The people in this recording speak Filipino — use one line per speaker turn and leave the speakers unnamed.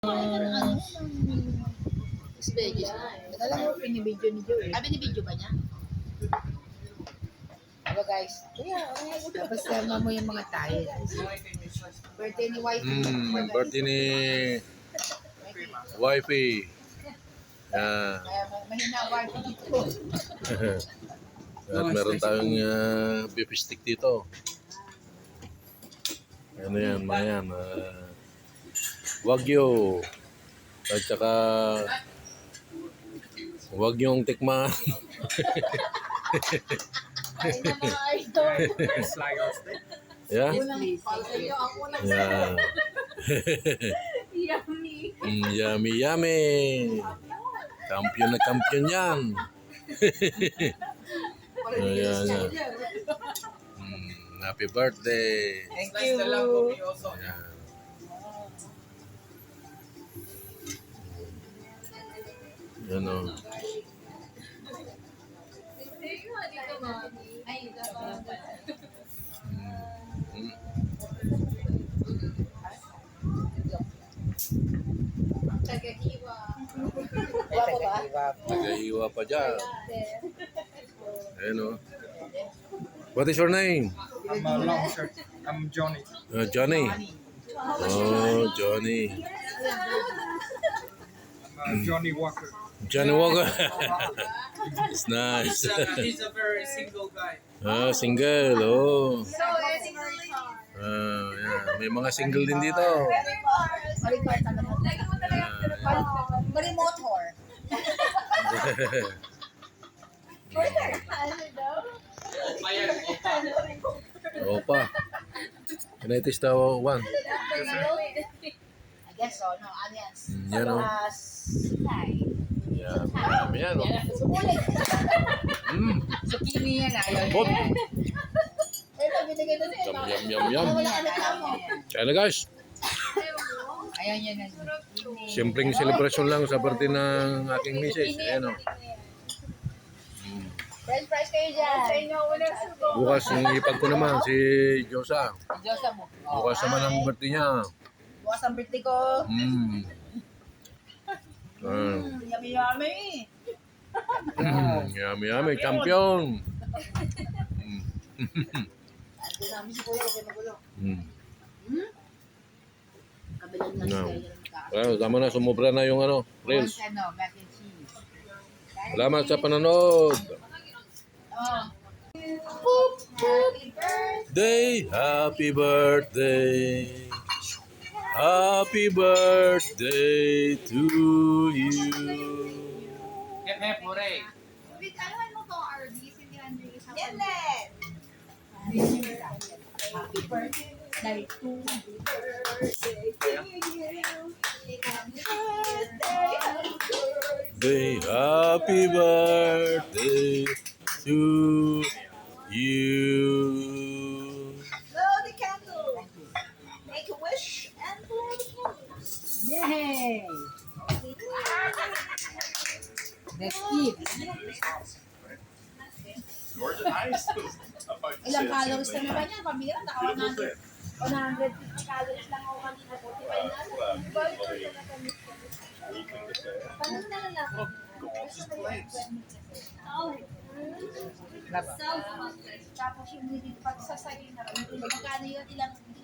Veggies na eh. Alam mo, pinibidyo ni Joe eh. Binibidyo ba niya? Hello guys. Tapos sama mo yung mga tayo. Birthday ni wifey.
Birthday ni wifey.
Kaya mahina wifey dito.
At meron tayong beef stick dito. Ano yan, mga yan. Wagyu. At saka huwag yung tikman. Yeah? Yeah.
Yummy.
Yummy, yummy. Kampiyon na kampiyon yan. Ayan, yan. Happy birthday.
Thank you.
Ayan. Yan o. Nag-iiwa pa dyan. Ayan o. What is your name?
I'm a long shirt. I'm Johnny.
Johnny. Oh, Johnny.
I'm Johnny Walker.
Johnny Walker. It's nice.
He's a very single guy.
Single. Oh.
So,
Yeah. May mga single din dito.
remote whore.
Opa. Can I taste the one?
I guess so. No, onions.
Yan o. Yan. Yan o.
Zucchini yan. Ayaw
Bot.
niya.
Yum, yum, yum. Kaya na guys.
Ayaw niya na.
Simpleng celebration lang sa birthday ng aking misis. Ayan o.
French fries kayo dyan. Sa inyo, walang sugo.
Bukas yung ipag ko naman si Josa.
Diyosa mo.
Bukas naman ang birthday niya.
Bukas ang birthday ko. Yummy, yummy.
Yummy, yummy. Champion.
Ito namin si Kuya, huwag kayo magulo. Kabilang na
No.
siya.
Well, tama na. Sumubra na yung ano. Reels.
Ano, mac and cheese.
Salamat sa panonood. Happy birthday. Happy birthday to you.
Hep hep hooray.
Wait, anuhan mo to, RB? Si Leandro isa.
Yan Happy birthday to
Happy birthday to you.
Blow the candle. Make a wish and blow the candle.
Yay! Let's eat. Ilang calories na naman yan? Pamilya, naka 150 calories lang ako kanina. 45 na. Paano na lang? Tapos yung pagsasayin na magkano yun, ilang